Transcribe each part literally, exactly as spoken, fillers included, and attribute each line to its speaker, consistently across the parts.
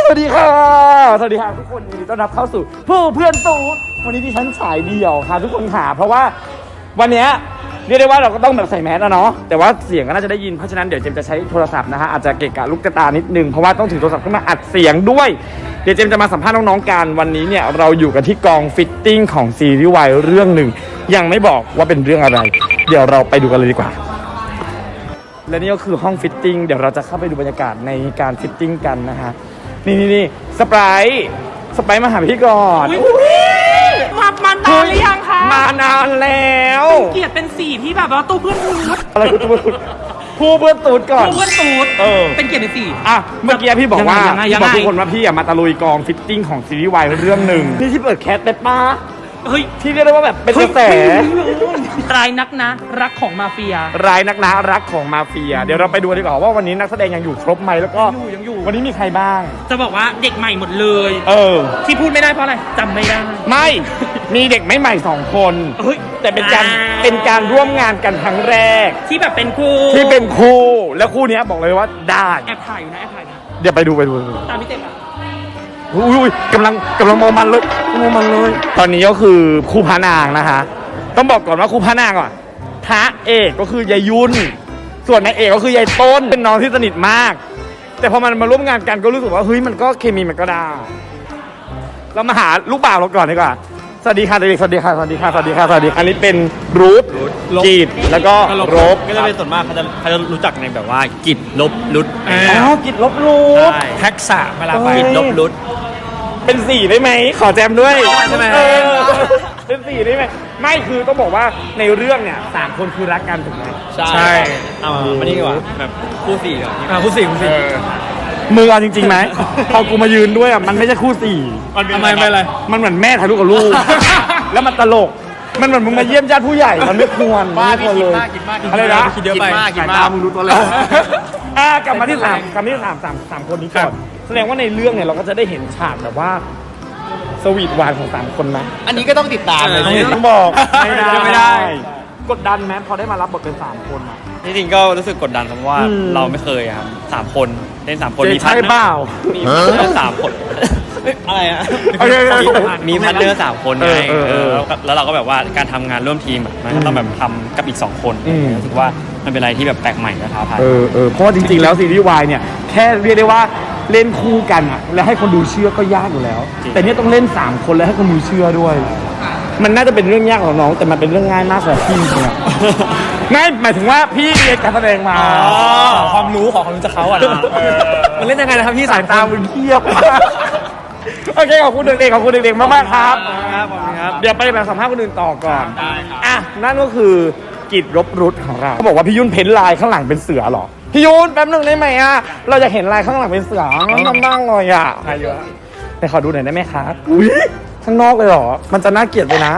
Speaker 1: สวัสดีค่ะสวัสดีค่ะทุกคนยินดีต้อนรับเข้าสู่ผู้เพื่อนตูดวันนี้ที่ฉันฉายเดี่ยวค่ะทุกคนค่ะเพราะว่าวันนี้เรียกได้ว่าเราก็ต้องแบบใส่แมสแล้วเนาะแต่ว่าเสียงก็น่าจะได้ยินเพราะฉะนั้นเดี๋ยวเจมจะใช้โทรศัพท์นะฮะอาจจะเกะกะลูกตานิดนึงเพราะว่าต้องถือโทรศัพท์ขึ้นมาอัดเสียงด้วยเดี๋ยวเจมจะมาสัมภาษณ์น้องๆกันวันนี้เนี่ยเราอยู่กันที่กองฟิตติ้งของซีรีส์วายเรื่องหนึ่งยังไม่บอกว่าเป็นเรื่องอะไรเดี๋ยวเราไปดูกันเลยดีกว่าและนี่ก็คือห้องฟิตติ้งเดี๋ยวเราจะเข้าไปดูบรรยากาศในการฟิตติ้งกันนะฮะนี่นี่นี่สไปร์สไปร์มาหาพี่ก่อน
Speaker 2: มามานานหรือยังคะ
Speaker 1: มานานแล้ว
Speaker 2: เกียรติเป็นสีที่แบบว่าตู้เพื่อนตูด
Speaker 1: อะไรคือตู้เพื่อนผู้เพื่อนตูดก่อน
Speaker 2: ตู้เพื่อนตูด
Speaker 1: เออ
Speaker 2: เป็นเกียรติเป็นสี
Speaker 1: อ่ะเมื่อกี้พี่บอกว่าบอกทุกคนว่าพี่มาตะลุยกองฟิตติ้งของซีรีส์วายเรื่องหนึ่งนี่ที่เปิดแคสเป็นป้า
Speaker 2: เฮ้ย
Speaker 1: ที่เรียกได้ว่าแบบเป็นกระแส
Speaker 2: รายนักนะรักของมาเฟีย
Speaker 1: รายนักนะรักของมาเฟียเดี๋ยวเราไปดูดีกว่าว่าวันนี้นักแสดงยังอยู่ครบไหมแล้วก็
Speaker 2: ยังอยู่
Speaker 1: วันนี้มีใครบ้าง
Speaker 2: จะบอกว่าเด็กใหม่หมดเลย
Speaker 1: เออ
Speaker 2: ที่พูดไม่ได้เพราะอะไรจำไม่ได้
Speaker 1: ไม่มีเด็กไม่ใหม่สองคนแต่เป็นการเป็นการร่วมงานกันครั้งแรก
Speaker 2: ที่แบบเป็นคู่
Speaker 1: ที่เป็นคู่แล้วคู่นี้บอกเลยว่าได้
Speaker 2: แอบถ่ายอยู่นะแอบถ่ายนะ
Speaker 1: เดี๋ยวไปดูไปดู
Speaker 2: ตามพี่เต็มอ่ะ
Speaker 1: อุ้ยกำลังกำลังมองมันเลยมองมันเลยตอนนี้ก็คือคู่พระนางนะคะต้องบอกก่อนว่าคู่พระนางก่อนพระเอกก็คือยายยุ่นส่วนนายเอกก็คือยายต้นเป็นน้องที่สนิทมากแต่พอมันมาร่วมงานกันก็รู้สึกว่าเฮ้ยมันก็เคมีมันก็ได้เรามาหาลูกบ่าวเราก่อนดีกว่าสวัสดีค่ะเด็กสวัสดีค่ะสวัสดีค่ะสวัสดีค่ะสวัสดีอันนี้เป็นรูทกีดแล้วก็รบ
Speaker 3: ก็จะเป็นส่วนมากเขาจะเขาจะรู้จักในแบบว่ากิดลบรุด
Speaker 1: อ๋อกิดลบรูท
Speaker 3: ทักษะเวลาไปกิดลบรุด
Speaker 1: เป็นสี่ได้ไหมขอแจมด้วยใช่ไหมเป็นสี่ได้ไหมไม่คือต้องบอกว่าในเรื่องเนี่ยสามคนคือรักกันถูกไหม
Speaker 3: ใช่เอามานี่ดีกว่าแบบคู่สี่ก่อน
Speaker 1: อ่าคู่สี่คู่สี่มือเอาจริงๆไหมพอกูมายืนด้วยอ่ะมันไม่ใช่คู่สี่
Speaker 3: ทำไมไม่อะไร
Speaker 1: มันเหมือนแม่ถ่ายรูปกับลูกแล้วมันตลกมันเหมือนมึงมาเยี่ยมญาติผู้ใหญ่มันไม่ควรไม่ควรเลยอะไรนะ
Speaker 3: คิดเยอะไป
Speaker 1: สายตามึงดูตัวเล็กอ่ากลับมาที่สามกลับมาที่สามสามสามคนนี้ก่อนแสดงว่าในเรื่องเนี่ยเราก็จะได้เห็นฉากแบบว่าสวีทหวานของสามคนนะ
Speaker 3: อันนี้ก็ต้องติดตามเลย
Speaker 1: ต้องบอกไม่ได้ไม่ได้กดดันไหมพอได้มารับบทเป็นสามคนนะ
Speaker 3: จริงๆก็รู้สึกกดดันเพราะว่าเราไม่เคยครับสามคนเล่นสามคน
Speaker 1: มีพาร์ทเนอร์
Speaker 3: มีพาร์ทเนอร์สามคนอะไรอ่ะมีพาร์ทเนอร์สามคนไงแล้วเราก็แบบว่าการทำงานร่วมทีมมันก็ต้องแบบทำกับอีกสองคนรู้สึกว่ามันเป็นอะไรที่แบบแปลกใหม่และท้าทาย
Speaker 1: เออเออเพราะว่าจริงๆแล้วซีรีส์วายเนี่ยแค่เรียกได้ว่าเล่นคู่กันอ่ะแล้วให้คนดูเชื่อก็ยากอยู่แล้วแต่เนี่ยต้องเล่นสามคนแล้วให้คนดูเชื่อด้วยมันน่าจะเป็นเรื่องยากของน้องแต่มันเป็นเรื่องง่ายมากสำหรับพี่จริงๆอ่ะง่ายหมายถึงว่าพี่เรียนการแสดงมา
Speaker 3: ความรู้ของความรู้จากเขาอ่ะมันเล่นยังไงนะครับพี่
Speaker 1: สายตามึงเทียบโอเคขอบคุณเด็กๆขอบคุณเด็กๆมากๆครับเดี๋ยวไปแบบสัมภาษณ์คนอื่นต่อก่อนอ่ะนั่นก็คือกิจรบรุษของเราเขาบอกว่าพี่ยุ่นเพ้นลายข้างหลังเป็นเสือหรอพี่ยุ่นแป๊บนึงได้ไหมอ่ะเราจะเห็นลายข้างหลังเป็นเสือมันนั่งเลยอ่ะใครเยอะแต่ขอดูหน่อยได้ไหมครับอุ้ยข้างนอกเลยหรอมันจะน่าเกลียดไปนะ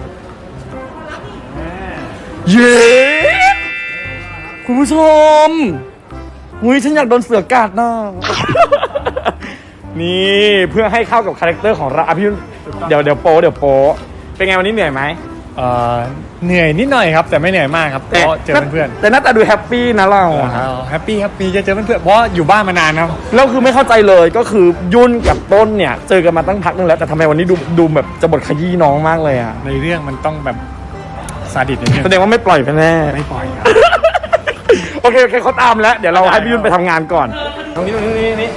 Speaker 1: เย้คุณผู้ชมอุ้ยฉันอยากโดนเสือกัดนะนี่เพื่อให้เข้ากับคาแรคเตอร์ของเราพี่ยุ่นเดี๋ยวเดี๋ยวโป๊เดี๋ยวโป๊เป็นไงวันนี้เหนื่อยไหม
Speaker 3: เอ่อเหนื่อยนิดหน่อยครับแต่ไม่เหนื่อยมากครับเพราะเจอเพื่อน
Speaker 1: แต่หน้าตาดูแฮปปี้นะเรา
Speaker 3: แฮปปี้แฮปปี้จะเจอเพื่อนเพราะอยู่บ้านมานานครับ
Speaker 1: แล้วคือไม่เข้าใจเลยก็คือยุ่นกับต้นเนี่ยเจอกันมาตั้งพักนึงแล้วแต่ทำไมวันนี้ดูดูแบบจะบทขยี้น้องมากเลยอ่ะ
Speaker 3: ในเรื่องมันต้องแบบซาดิสนิดนึง
Speaker 1: แสดงว่าไม่ปล่อยไปแน่
Speaker 3: ไม่ปล่อยครับ
Speaker 1: โอเคโอเคเขาตามแล้วเดี๋ยวเราให้พี่ยุ่นไปทำงานก่อนตรงนี้ตรงนี้นี่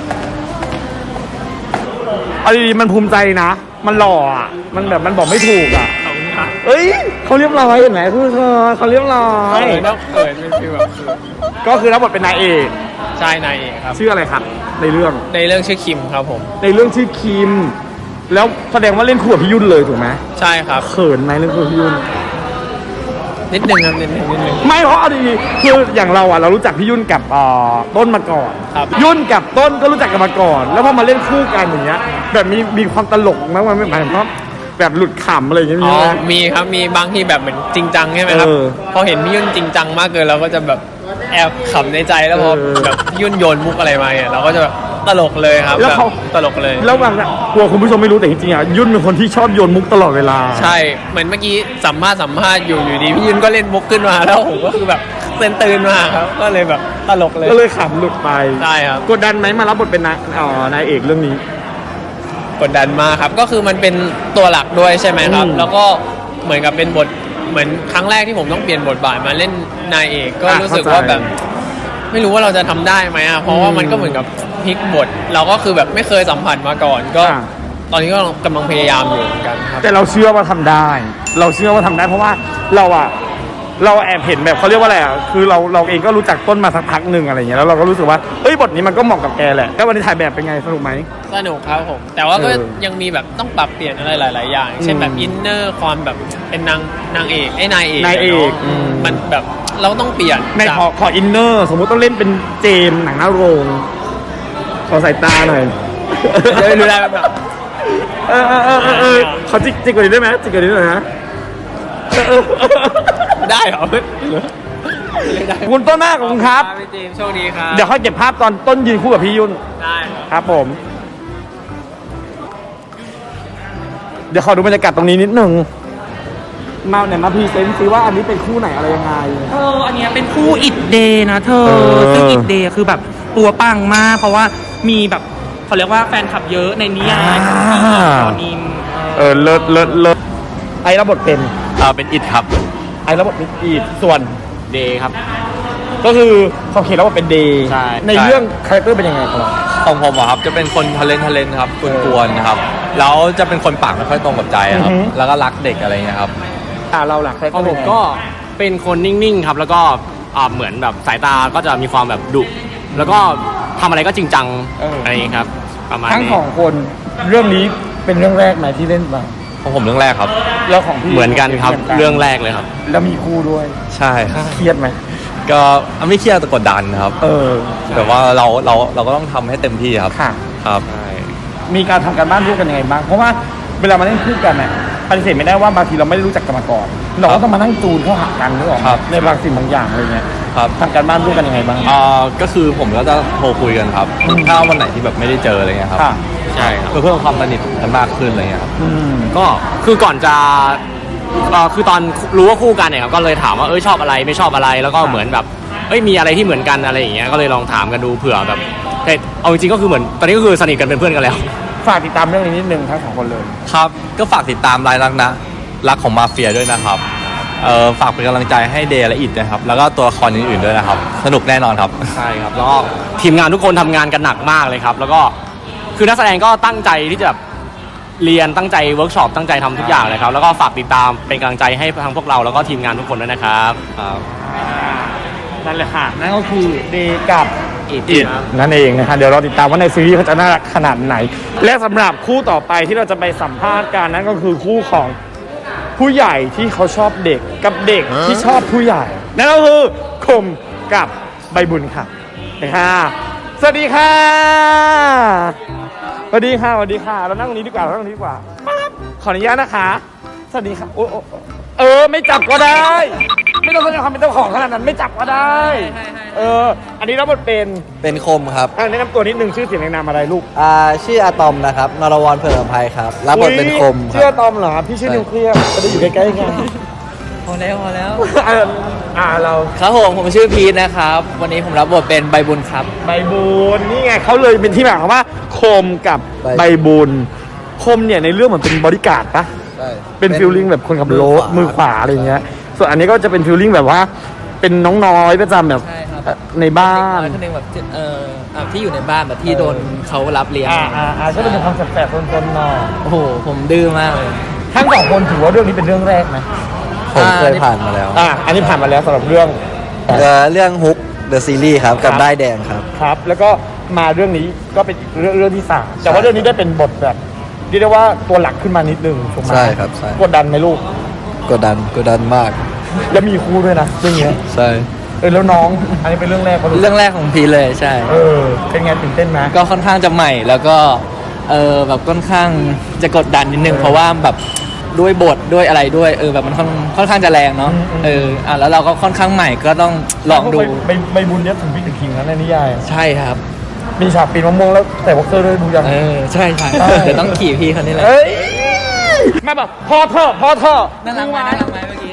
Speaker 1: เอาดีๆมันภูมิใจนะมันหล่ออ่ะมันแบบมันบอกไม่ถูกอ่ะเอ้ยเขาเรียบร้อยเห็นไหมคือเธอเขาเรียบร้อย
Speaker 3: ต้องเขินเป็นฟีลแบบ
Speaker 1: ก็คือรับบทเป็นนายเอก
Speaker 3: ใช่นายเอกครับ
Speaker 1: ชื่ออะไรครับในเรื่อง
Speaker 3: ในเรื่องชื่อคิมครับผม
Speaker 1: ในเรื่องชื่อคิมแล้วแสดงว่าเล่นคู่กับพี่ยุ่นเลยถูกไหม
Speaker 3: ใช่ครับ
Speaker 1: เขินไหมเล่นคู่กับพี่ยุ่น
Speaker 3: นิดนึงครับนิดนึงนิดนึง
Speaker 1: ไม่เพราะเอาดีๆคืออย่างเราอ่ะเรารู้จักพี่ยุ่นกับต้นมาก่อนยุ่นกับต้นก็รู้จักกันมาก่อนแล้วพอมาเล่นคู่กันอย่างเงี้ยแบบมีมีความตลกมั้ยมันไม่หมายถึงว่าแบบหลุดขำอะไรอย่างเงี้ย
Speaker 3: อ๋อมีครับมีบางที่แบบเหมือนจริงจังใช่ไหมครับพอเห็นพี่ยุ่นจริงจังมากเกินเราก็จะแบบแอบขำในใจแล้วพอแบบพี่ยุ่นโยนมุกอะไรมาเนี่ยเราก็จะแบบเตลกเลยครับ
Speaker 1: แล้วเขา
Speaker 3: บบตลกเลย
Speaker 1: แล้วบางอะกลัวคุณผู้ชมไม่รู้แต่จริงๆอ่ะยุ่นเป็นคนที่ชอบโยนมุกตลอดเวลา
Speaker 3: ใช่เหมือนเมื่อกี้สัมภาษณ์สัมภาษณ์อยู่อยู่ดีพี่ยุนก็เล่นมุกขึ้นมาแล้วผมก็คือแบบเต้นตื่นมาครับก็เลยแบบตลกเลย
Speaker 1: ก็เลยขำหลุดไป
Speaker 3: ใช่ครับ
Speaker 1: กดดันไหมมารับบทเป็นนายอ๋อนายเอกเรื่องนี้
Speaker 3: กดดันมากครับก็คือมันเป็นตัวหลักด้วยใช่ไหมครับ
Speaker 1: อืม
Speaker 3: แล้วก็เหมือนกับเป็นบทเหมือนครั้งแรกที่ผมต้องเปลี่ยนบทบาทมาเล่นนายเอกก็
Speaker 1: อ่ะ
Speaker 3: รู้สึก
Speaker 1: เข้าใจ
Speaker 3: ว่าแบบไม่รู้ว่าเราจะทำได้ไหมอ่ะเพราะว่ามันก็เหมือนกับพลิกบท เราก็คือแบบไม่เคยสัมผัสมาก่อน ก็
Speaker 1: อ่ะ
Speaker 3: ตอนนี้ก็กำลังพยายามอยู่เหมือนกันครับ
Speaker 1: แต่เราเชื่อว่าทำได้ เราเชื่อว่าทำได้เพราะว่าเราอะเราแอบเห็นแบบเขาเรียกว่าอะไรอะคือเราเราเองก็รู้จักต้นมาสักพักหนึ่งอะไรเงี้ยแล้วเราก็รู้สึกว่าเอ้ยบทนี้มันก็เหมาะกับแกแหละแล้ววันนี้ถ่ายแบบเป็นไงสนุกไหม
Speaker 3: สนุกครับผม แต่ว่าก็
Speaker 1: เออ
Speaker 3: ยังมีแบบต้องปรับเปลี่ยนอะไรหลาย ๆ อย่าง เช่นแบบ
Speaker 1: อืม
Speaker 3: อินเนอร์ความแบบเป็นนางนางเอกไอ้นายเอก
Speaker 1: นายเอก
Speaker 3: ะ
Speaker 1: อืม
Speaker 3: เนาะมันแบบเราต้องเปลี่ยน
Speaker 1: ใน
Speaker 3: จาก
Speaker 1: ขอขออินเนอร์สมมุติต้องเล่นเป็นเจมส์หนังหน้าโรงขอสายตาหน่อย
Speaker 3: จะได้รู้ได้แบบ
Speaker 1: เออเออเออเออเออขอจิกจิกกว่านี้ได้ไหมจิกกว่านี้หน่อยนะเออเออเออ
Speaker 3: ได้เหรอได้
Speaker 1: คุณต้นหน้าของคุณครับ
Speaker 3: พี่เจมส์โชคดีครับ
Speaker 1: เดี๋ยวค่อยเก็บภาพตอนต้นยืนคู่กับพี่ยุ่น
Speaker 3: ได้ครับ
Speaker 1: ครับผม เดี๋ยวขอดูบรรยากาศตรงนี้นิดนึงมาเนี่ยมาพรีเซนต์ซิว่าอันนี้เป็นคู่ไหนอะไรยังไง
Speaker 2: เธออันเนี้ยเป็นคู่อิดเดย์นะเธอ
Speaker 1: เออ
Speaker 2: ซึ่งอิดเดย์คือแบบตัวปังมาก เพราะว่ามีแบบเขาเรียกว่าแฟนคลับเยอะในนิยายของพี่ตอนนิม
Speaker 1: เออเลิศเลิศเลิศไอ้รับบทเป็น
Speaker 3: เออเป็นอิดครับ
Speaker 1: ไอ้รับบทเป็นอีดส่วน
Speaker 3: เดย์ครับ
Speaker 1: ก็คือเขาเขียนรับบทเป็นเดย์
Speaker 3: ใช่
Speaker 1: ในเรื่องคาแรคเตอร์เป็นยังไงครับ
Speaker 4: ของผมอะครับจะเป็นคนทะเลนทะเลนครับกวนๆนะครับแล้วจะเป็นคนปากไม่ค่อยตรงกับใจอะครับ
Speaker 1: อือฮึ
Speaker 4: แล้วก็รักเด็กอะไรเงี้ยครับ
Speaker 1: อ่าเราหลักคาแรค
Speaker 5: ข
Speaker 1: เต
Speaker 5: อ
Speaker 1: อง ร์
Speaker 5: ผมก็เป็นคนนิ่งๆครับ แล้วก็อ่าเหมือนแบบสายตาก็จะมีความแบบดุแล้วก็ทำอะไรก็จริงจังอะไรอย่างนี้ครับประมาณ
Speaker 1: ทั้ง
Speaker 5: นี้
Speaker 1: สองคนเรื่องนี้เป็นเรื่องแรกไหมที่เล่นมา
Speaker 4: ของผมเรื่องแรกครับ
Speaker 1: แล้วของพี่
Speaker 5: เหมือนกันครับเรื่องแรกเลยครับ
Speaker 1: แล้วมีคู่ด้วย
Speaker 4: ใช่ครับ
Speaker 1: เครียดไหม
Speaker 4: ก็ไม่เครียดแต่กดดันครับ
Speaker 1: เออ
Speaker 4: แต่ว่าเราเราเราก็ต้องทำให้เต็มที่ครับ
Speaker 1: ค่ะ
Speaker 4: ครับ
Speaker 1: มีการทำการบ้านร่วมกันยังไงบ้าง เพราะว่าเวลามาเล่นคู่กันเนี่ยปฏิเสธไม่ได้ว่าบางทีเราไม่ได้รู้จักกันมาก่อน เราก็ต้องมานั่งจูนเข้าหากันนึกออกไหม
Speaker 4: ครับ
Speaker 1: ในบางสิ่งบางอย่างอะไรเงี้ย
Speaker 4: ครับ
Speaker 1: ทำการบ้านร่วมกันยังไงบ้าง
Speaker 4: อ่าก็คือผมก็จะโทรคุยกันครับ ถ้าวันไหนที่แบบไม่ได้เจออะไรเงี้ยครับ
Speaker 1: ค่ะ
Speaker 5: ใช่ครับ
Speaker 4: เพื่อเพิ่มความสนิทกันมากขึ้นอะไรเงี้ยครับ
Speaker 1: อืม
Speaker 5: ก็คือก่อนจะเอ่อคือตอนรู้ว่าคู่กันเนี่ยครับก็เลยถามว่าเอ้ยชอบอะไรไม่ชอบอะไรแล้วก็เหมือนแบบเอ้ยมีอะไรที่เหมือนกันอะไรอย่างเงี้ยก็เลยลองถามกันดูเผื่อแบบแต่เอาจริงๆก็คือเหมือนตอนนี้ก็คือสนิทกันเป็นเพื่อนกันแล้ว
Speaker 1: ฝากติดตามเรื่องนี้นิดนึงทั้งสองคนเลย
Speaker 4: ครับ ก็ฝากติดตามรายรักนะรักของมาเฟียด้วยนะครับเอ่อฝากเป็นกำลังใจให้เดย์และอิดนะครับ แล้วก็ตัวละครอื่นๆด้วยนะครับ สนุกแน่นอนครับ
Speaker 5: ใช่ครับแล้วก็ทีมงานทุกคนทำงานกันหนักมากเลยครับ แล้วก็คือนักแสดงก็ตั้งใจที่จะแบบเรียนตั้งใจเวิร์กช็อปตั้งใจทำทุกอย่างเลยครับแล้วก็ฝากติดตามเป็นกำลังใจให้ทางพวกเราแล้วก็ทีมงานทุกคนด้วยนะครับ
Speaker 1: นั่นแหละค่ะ นั่นก็คือเดย์กับ
Speaker 5: อิด
Speaker 1: อิด
Speaker 5: ครับ
Speaker 1: นั่นเองนะคะเดี๋ยวเราติดตามว่าในซีรีส์เขาจะน่ารักขนาดไหน และสำหรับคู่ต่อไปที่เราจะไปสัมภาษณ์กันนั่นก็คือคู่ของผู้ใหญ่ที่เขาชอบเด็กกับเด็กที่ชอบผู้ใหญ่ นั่นก็คือคมกับใบบุญค่ะนะคะสวัสดีค่ะสวัสดีค่ะสวัสดีค่ะเรานั่งตรงนี้ดีกว่าเรานั่งตรงนี้ดีกว่าปั๊บขออนุญาตนะคะ สวัสดีค่ะโอ้โอ้เออไม่จับก็ได้ ไม่ต้องแสดงความเป็นเจ้าของขนาดนั้นไม่จับก็ได้ เออ อันนี้รับบทเป็น
Speaker 6: เป็นคมครับ
Speaker 1: อ่ะแนะนำตัวนิดนึงชื่อเสียงแนะนำอะไรลูก
Speaker 6: อ่าชื่ออะตอมนะครับนรวรเผื่อภัยครับ รับบทเป็นคมค
Speaker 1: ชื่อ
Speaker 6: รับ
Speaker 1: ตอมเหรอพี่ชื่อนิวเคลียร์จะได้อยู่ใกล้ๆกัน
Speaker 6: พอแล้วพอแล้ว
Speaker 1: เอออ่าเรา
Speaker 6: ครับผมผมชื่อพีทนะครับ วันนี้ผมรับบทเป็นใบบุญครับ
Speaker 1: ใบบุญนี่ไงเขาเลยเป็นที่มาของว่าคมกับ
Speaker 6: ใบ
Speaker 1: ใบบุญคมเนี่ยในเรื่องเหมือนเป็นบริการดปะ
Speaker 6: ใช่
Speaker 1: เป็นฟิลลิ่งแบบคนขับรถ
Speaker 6: มื
Speaker 1: มื
Speaker 6: อ
Speaker 1: อ
Speaker 6: ข
Speaker 1: ข
Speaker 6: วา
Speaker 1: วาอะไรเงี้ย ส่วนอันนี้ก็จะเป็นฟิลลิ่งแบบว่า เป็นน้องน้อยประจำแบบ
Speaker 6: ใช่ครับ
Speaker 1: เอ่อในบ้าน
Speaker 6: คนหนึ่งแบบเอ่ออ่ะที่อยู่ในบ้านแบบที่โดนเขารับเลี้ยง
Speaker 1: อ่าอ่าอ่าก็จะเป็นความแสบๆซนๆหน่อย
Speaker 6: โอ้โหผมดื้อมากเลย
Speaker 1: ทั้งสองคนถือว่าเรื่องนี้เป็นเรื่องแรกไหม
Speaker 6: ผมเคยผ่านมาแล้ว
Speaker 1: อ่าอันนี้ผ่านมาแล้วสำหรับเรื่อง
Speaker 6: เอ่อเรื่องฮุกเดอะซีรีส์ครับ กับได้ายแดงครับ
Speaker 1: ครับ แล้วก็มาเรื่องนี้ก็เป็นเรื่องเรื่องที่สามแต่ว่าเรื่องนี้ได้เป็นบทแบบเรียกได้ว่าตัวหลักขึ้นมานิดนึงถูกไหม
Speaker 6: ใช่ครับใช่
Speaker 1: กดดันไหมลูก
Speaker 6: กดดันกดดันมาก
Speaker 1: แล้วมีครูด้วยนะเรื่องเนี้ย
Speaker 6: ใช่
Speaker 1: เออแล้วน้อง อันนี้เป็นเรื่องแรกเขาลูก
Speaker 6: เรื่องแรกของพีทเลยใช่
Speaker 1: เออเป็นไงตื่นเต้นไหม
Speaker 6: ก็ค่อนข้างจะใหม่แล้วก็เออแบบค่อนข้างจะกดดันนิดนึง
Speaker 1: เออ
Speaker 6: เพราะว่าแบบด้วยบทด้วยอะไรด้วยเออแบบมันค่อนค่อนข้างจะแรงเนาะ
Speaker 1: อืมอืม
Speaker 6: เอออ่ะแล้วเราก็ค่อนข้างใหม่ก็ต้องลองดู
Speaker 1: ใบใบบุญเนี้ยถึงพี่ถึงคิงแล้วในนิยาย
Speaker 6: ใช่ครับ
Speaker 1: มีฉากปีนมะม่วงแล้วแต่บ็อกเซอร์ด้วยดูยัง
Speaker 6: เออใช่ใช่เดี๋ยวต้องขี่พี่คนนี้แหละ
Speaker 1: เอ้ยมาแบบพอเถอะพอเถอะ
Speaker 6: น่ารักไหมน่ารักไหมเมื่อกี้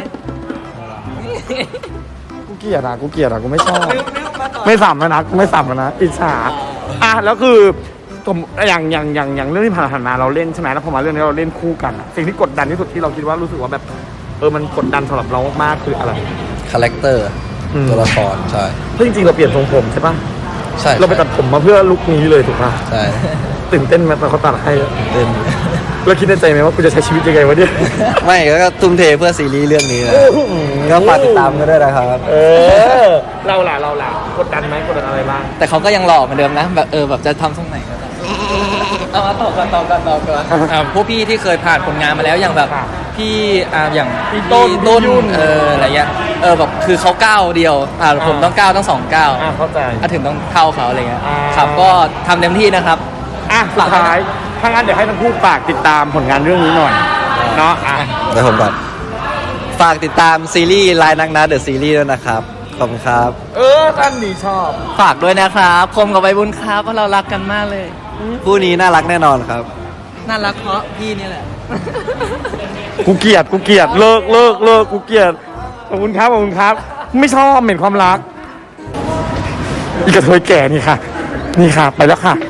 Speaker 1: กูเกลียดอ่ะกูเกลียดอ่ะกูไม่ชอบไม่สัมแล้วนะกูไม่สัมแล้วนะอิจฉาอ่ะแล้วคือผมอย่างอย่างอย่างอย่างเรื่องที่ผ่านๆมาเราเล่นใช่ไหมแล้วพอมาเรื่องนี้เราเล่นคู่กันอะสิ่งที่กดดันที่สุดที่เราคิดว่ารู้สึกว่าแบบเออมันกดดันสำหรับเรามากๆคืออะไร
Speaker 4: คาแรคเตอร์
Speaker 1: อืม
Speaker 4: ตัวละครใช่
Speaker 1: เพราะจริงๆเราเปลี่ยนทรงผมใช่ปะ
Speaker 4: ใช่
Speaker 1: เราไปตัดผมมาเพื่อลุคนี้เลยถูกปะ
Speaker 4: ใช่
Speaker 1: ตื่นเต้นไหมตอนเขาตัดให้อะ
Speaker 4: เต้น
Speaker 1: เราคิดในใจไหมว่ากูจะใช้ชีวิตยังไงวะเนี่ย
Speaker 4: ไม่ก็ทุ่มเทเพื่อซีรีส์เรื่องนี้นะก็ฝากติดตามกันด้วยนะครับ
Speaker 1: เออเราล่ะเราล่ะกดดันไหมกดดันอะไรบ้าง
Speaker 6: แต่เขาก็ยังหล่อเหมือนเดิมนะแบบเออแบบจะทำทรงไหนก็ได้เอามาต่อกันต่อกันต่อกันอ่าพวกพี่ที่เคยผ่านผลงานมาแล้วอย่างแบบพี่อ่าอย่าง
Speaker 1: พี่ต้น
Speaker 6: ต้น
Speaker 1: พี่ยุ่น
Speaker 6: เอออะไรเงี้ยเออแบบคือเขาก้าวเดียวอ่าผม
Speaker 1: อ่า
Speaker 6: ต้องก้าวต้องสองก้าว
Speaker 1: อ่ะเข้าใจ
Speaker 6: อ่ะถึงต้องเท่าเขาอะไรเงี้ย
Speaker 1: อ่า
Speaker 6: ครับก็ทำเต็มที่นะครับ
Speaker 1: อ่ะสุดท้ายถ้างั้นเดี๋ยวให้ทั้งคู่ฝากติดตามผลงานเรื่องนี้หน่อยเนาะอ่ะ
Speaker 4: ไปผมก่อน ฝากติดตามซีรีส์ลายนักนะเดอะซีรีส์ด้วยนะครับ ขอบคุณครับ
Speaker 1: เออท่านดีชอบ
Speaker 6: ฝากด้วยนะครับคมกับใบบุญครับเพราะเรารักกันมากเลย
Speaker 4: คู่นี้น่ารักแน่นอนครับ
Speaker 6: น่ารักเพราะพี่นี่แหละ
Speaker 1: กูเกลียดกูเกลียดเลิกเลิกเลิกกูเกลียดขอบคุณครับขอบคุณครับ ไม่ชอบเหม็นความรักอีกระเทยแก่นี่ค่ะ นี่ค่ะไปแล้วค่ะ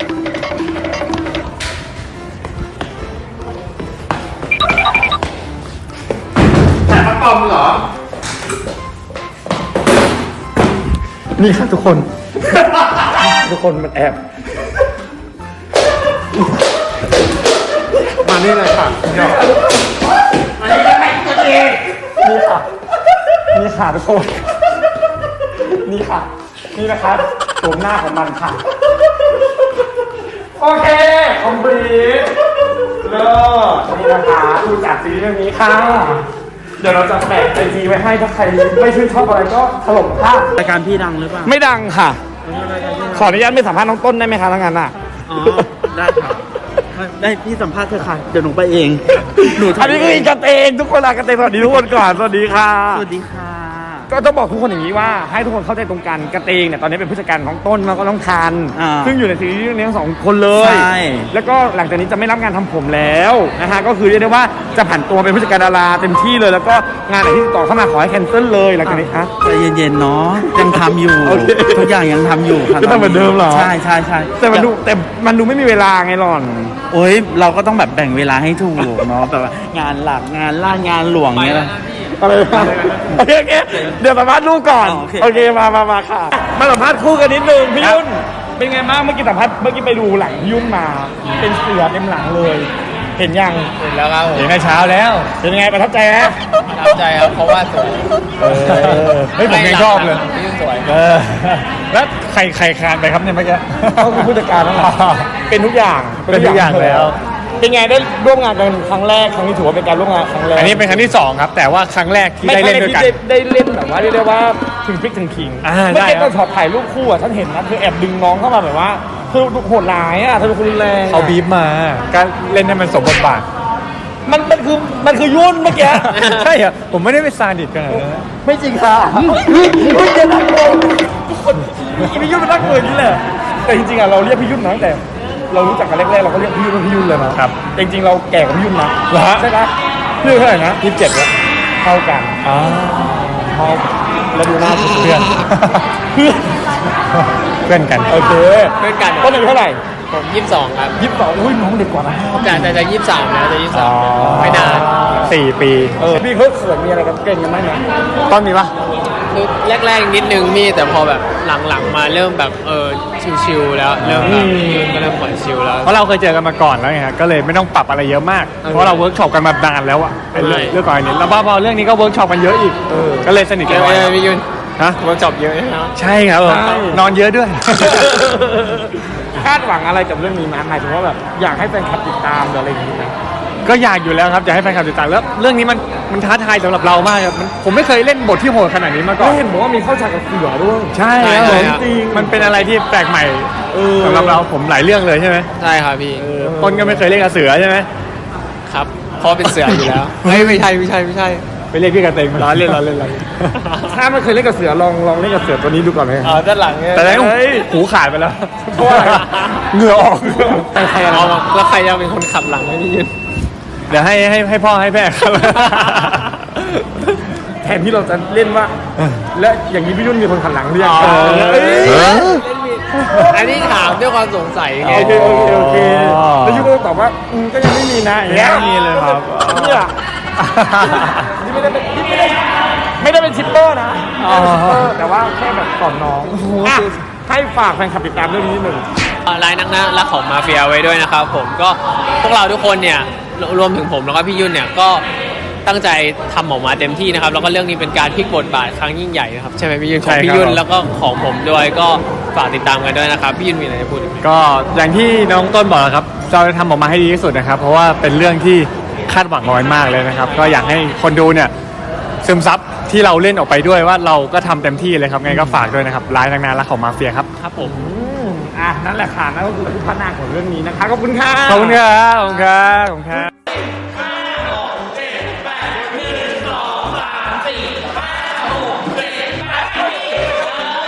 Speaker 1: แต่มาปอมเหรอ นี่ค่ะทุกคน ทุกคนมันแอบ มานี่เลยค่ะเดี๋ยวมานี่เลยตัวเองนี่ค่ะ นี่ค่ะทุกคน นี่ค่ะ นี่นะครับโฉมหน้าของมันค่ะ โอเคคอมพลีทเลิศนี่นะคะดูจากซีรีส์เรื่องนี้ค่ะ เดี๋ยวเราจะแปะไอจีไว้ให้ถ้าใครไม่ชื่นชอบอะไรก็ถล่มค่ะ
Speaker 2: รายการพี่ดังหรือเปล่า
Speaker 1: ไม่ดังค่ะ ขออนุญาตไม่สัมภาษณ์น้องต้นได้ไหมคะทั้งนั้นอ่ะ
Speaker 2: อ๋อ ได้ครับ ได้พี่สัมภาษณ์เธอค่ะ เดี๋ยวหนูไปเอง หนู
Speaker 1: อันนี้คืออีกกันเองทุกคนลากันเองสวัสดีทุกคนก่อนสวัสดีค่ะ
Speaker 2: สวัสดีค่ะ
Speaker 1: ก็ต้องบอกทุกคนอย่างนี้ว่าให้ทุกคนเข้าใจตรงกันกระเตงเนี่ยตอนนี้เป็นผู้จัดการของต้นแล้วก็น้องทัน
Speaker 2: อ่า
Speaker 1: ซึ่งอยู่ในซีรีส์เรื่องนี้ทั้งสองคนเลย
Speaker 2: ใช่
Speaker 1: แล้วก็หลังจากนี้จะไม่รับงานทำผมแล้วนะฮะก็คือเรียกได้ว่าจะผันตัวเป็นผู้จัดการดาราเต็มที่เลย แล้วก็งานไหนที่ติดต่อเข้ามาขอให้แคนเซิลเลยหลังจากนี้ฮะ
Speaker 2: ใจเย็นๆเนาะยังทำอยู่
Speaker 1: โอเค
Speaker 2: ทุกอย่างยังทำอยู่ค่ะ
Speaker 1: ก็ทำเหมือนเดิมเหรอ
Speaker 2: ใช่ใช่ใช่
Speaker 1: แต่มันดูแต่มันดูไม่มีเวลาไงหล่อน
Speaker 2: โอ้ยเราก็ต้องแบบแบ่งเวลาให้ถูกเนาะแบบว่างานหลักงานล่างานหลวงเงี้ยนะ
Speaker 1: อะไรนะโอเคโอเคเดี๋ยวสัมภาษณ์ลูกก่อน
Speaker 2: อ๋อโอเค
Speaker 1: โอเคมามามาค่ะ มาสัมภาษณ์คู่กันนิดนึงพี่ยุ่นเป็นไงบ้างเมื่อกี้สัมภาษณ์เมื่อกี้ไปดูหลังพี่ยุ่นมา เป็นเสือเต็มหลังเลย เห็นยัง
Speaker 5: เห็นแล้วครับผม
Speaker 1: เห็นในเช้าแล้ว เป็นยังไงประทับใจไหม
Speaker 5: ประทับใจครับเพราะว่าสวย
Speaker 1: เออเฮ้ยผมยังชอบเลย
Speaker 5: พี่สวย
Speaker 1: เออแล้วใครใครคานไปครับเนี่ยเมื่อกี้เขาคือผู้จัดการนั่นแหละเป็นทุกอย่าง
Speaker 7: เป็นทุกอย่างแล้ว
Speaker 1: เป็นไงได้ร่วมงานกันครั้งแรกครั้งนี้ถือว่าเป็นการร่วมงานครั้งแรก
Speaker 7: อันนี้เป็นครั้งที่สองครับ แต่ว่าครั้งแรกที่
Speaker 1: ไม่
Speaker 7: ได้
Speaker 1: ใช่
Speaker 7: เล่นด้วยกัน
Speaker 1: ที่ได้ได้เล่นแบบว่าเรียกได้ว่าถึงพริกถึงขิง
Speaker 7: อ่า
Speaker 1: เมื่อ
Speaker 7: ได้
Speaker 1: กี้
Speaker 7: ครั
Speaker 1: ตอบ นช็อตถ่ายรูปคู่อ่ะฉันเห็นนะเธอแอบดึงน้องเข้ามาแบบว่าเธอโหดร้ายอ่ะเธอเป็นคนรุนแรงอะ
Speaker 7: เขาบีบมาการเล่นให้มันสมบทบาท
Speaker 1: มันมันคือมันคือยุ่นเมื่อกี้
Speaker 7: ใช่เหรอผมไม่ได้เป็นซาดิสขนาดนั้นนะ
Speaker 1: ไม่จริงค่ะพี่จะนักโกงทุกคนพี่ยุ่นเป็นนักโกงอย่างนี้แหละแต่จริงๆอ่ะเราเรียกพี่ยุ่นมาตั้งแต่ เรารู้จักกันแรกๆเราก็เรียกพี่ยุ่นว่าพี่ยุ่นเลยนะครับแต่จริงๆเราแก่กว่าพี่ยุ่นนะ
Speaker 7: เหรอฮะ
Speaker 1: ใช่ไหมพี่ยุ่นเท่าไหร่นะยี่สิบเจ็ดแล้วเท่ากัน
Speaker 7: อ๋อ
Speaker 1: เท่าแล้วดูหน้าเพื่อน
Speaker 7: เพื่อน เพื่อนกัน
Speaker 1: โอเค
Speaker 5: เพื่อนกัน
Speaker 1: ต้นอายุเท่าไหร่
Speaker 5: ผมยี่สิบสองครับ
Speaker 1: ยี่สิบสองอุ้ยน้องเด็กกว่านะ
Speaker 5: แต่แต่จะยี่สิบสามแล้วจะยี่สิบสามไม่นาน
Speaker 7: สี่ปี
Speaker 1: เออพี่เขาเขินมีอะไรกันเก่งกันไหมเนี่ยต้นมีปะ
Speaker 5: คือแรกๆนิดนึงมีแต่พอแบบหลังๆมาเริ่มแบบเออชิวๆแล้วเริ่มแบบยืนก็เริ่มปล่อยชิลแล้ว
Speaker 7: เพราะเราเคยเจอกันมาก่อนแล้วไงฮะก็เลยไม่ต้องปรับอะไรเยอะมาก เพราะเราเวิร์กช็อปกันมานานแล้วอะไอ้เรื่อง
Speaker 5: ใช่
Speaker 7: เรื่องก่อนอันนี้แล้วพอเรื่องนี้ก็เวิร์กช็อปกันเยอะอีกก็เลยสนิท
Speaker 5: เย
Speaker 7: กัน
Speaker 5: อะ
Speaker 7: ไว้
Speaker 5: เลยพี่ยุน
Speaker 7: ฮะ
Speaker 5: เวิร์กช็อปเยอะนะครับ
Speaker 7: ใช่ครับผมนอนเยอะด้วย
Speaker 1: คาดหวังอะไรกับเรื่องนี้ไหมหมายถึงว่าแบบอยากให้แฟนคลับติดตามหรืออะไรอย่างนี้ไหม
Speaker 7: ก็อยากอยู่แล้วครับอยากให้แฟนคลับติดตามแล้วเรื่องนี้มันมันท้าทายสำหรับเรามากครับมันผมไม่เคยเล่นบทที่โหดขนาดนี้มาก่อ
Speaker 1: ก็
Speaker 7: น
Speaker 1: เห็นบอกว่ามีเข้าฉากกับเสือด้วย
Speaker 7: ใช่ครับผมจริงมันเป็นอะไรที่แปลกใหม่สำหรับเราผมหลายเรื่องเลยใช่ไหม
Speaker 5: ใช่ครับพี่
Speaker 7: ต้นก็ไม่เคยเล่นกับเสือใช่ไหม
Speaker 5: ครับเพราะเป็นเสืออยู่แล้ว ไม่ไม่ใช่ไม่ใช่ไม่ใช่
Speaker 1: เ
Speaker 7: ไปเรียกพี่กระเตงมาล้อเล่นล้อเล่นล้อเล่น
Speaker 1: ถ้าไม่เคยเล่นกับเสือลองลองเล่นกับเสือตัวนี้ดูก่อนไหม
Speaker 7: อ๋อด้านหลังเนี่ยแต่แล้วหูขาดไปแล้ว
Speaker 1: เพราะว่าอะไรเหงื่อออก
Speaker 7: แต่ใครเอาแล้วใครจะเป็นคนขับหลังให้พี่ยืนเดี๋ยวให้ให้ให้พ่อให้แม่ครับ
Speaker 1: แทนที่เราจะเล่นว่า และอย่างนี้พี่ยุ่นมีคนขันหลังหรือยัง
Speaker 7: อ๋อ
Speaker 1: เอ้ย
Speaker 5: อันนี้ถามด้วยความสงสัยไง
Speaker 1: โอเคโอเคโอเคแล้วยุ่นก็ตอบว่าอืมก็ยังไม่มีนะอย่างเงี้ย
Speaker 7: ไม่มีเลยครับ
Speaker 1: เนี่ยนี่ไม่ได้เป็นนี่ไม่ได้ไม่ได้เป็นชิปเปอร์นะไม่ได้เป็นชิปเปอร์แต่ว่าแค่แบบสอนน้องอ่ะให้ฝากแฟนคลับติดตามเรื่องนี้นิดหนึ่ง
Speaker 5: รายนักนะรักของมาเฟียไว้ด้วยนะครับผมก็พวกเราทุกคนเนี่ยรวมถึงผมแล้วก็พี่ยุ่นเนี่ยก็ตั้งใจทำออกมาเต็มที่นะครับแล้วก็เรื่องนี้เป็นการพลิกบทบาทครั้งยิ่งใหญ่นะครับใช่ไหมพี่ยุ่นของพี่ยุ่นแล้วก็ของผมด้วยก็ฝากติดตามกันด้วยนะครับพี่ยุ่นมีอะไรจะพูดอีกไหม
Speaker 7: ก็อย่างที่น้องต้นบอกนะครับเราจะทำออกมาให้ดีที่สุดนะครับ เพราะว่าเป็นเรื่องที่คาดหวังน้อยมากเลยนะครับ ก็อยากให้คนดูเนี่ยซึมซับที่เราเล่นออกไปด้วยว่าเราก็ทำเต็มที่เลยครับไงก็ฝากด้วยนะครับร้ายนางนารักของมาเฟียครับ
Speaker 5: ครับผม
Speaker 1: อ่ะนั่นแหละค่ะนั่นก็คือผู้พัฒนาของเรื่องนี้นะคะขอบคุณค่ะ
Speaker 7: ขอบคุณครับขอบคุณครับขอบคุณครับ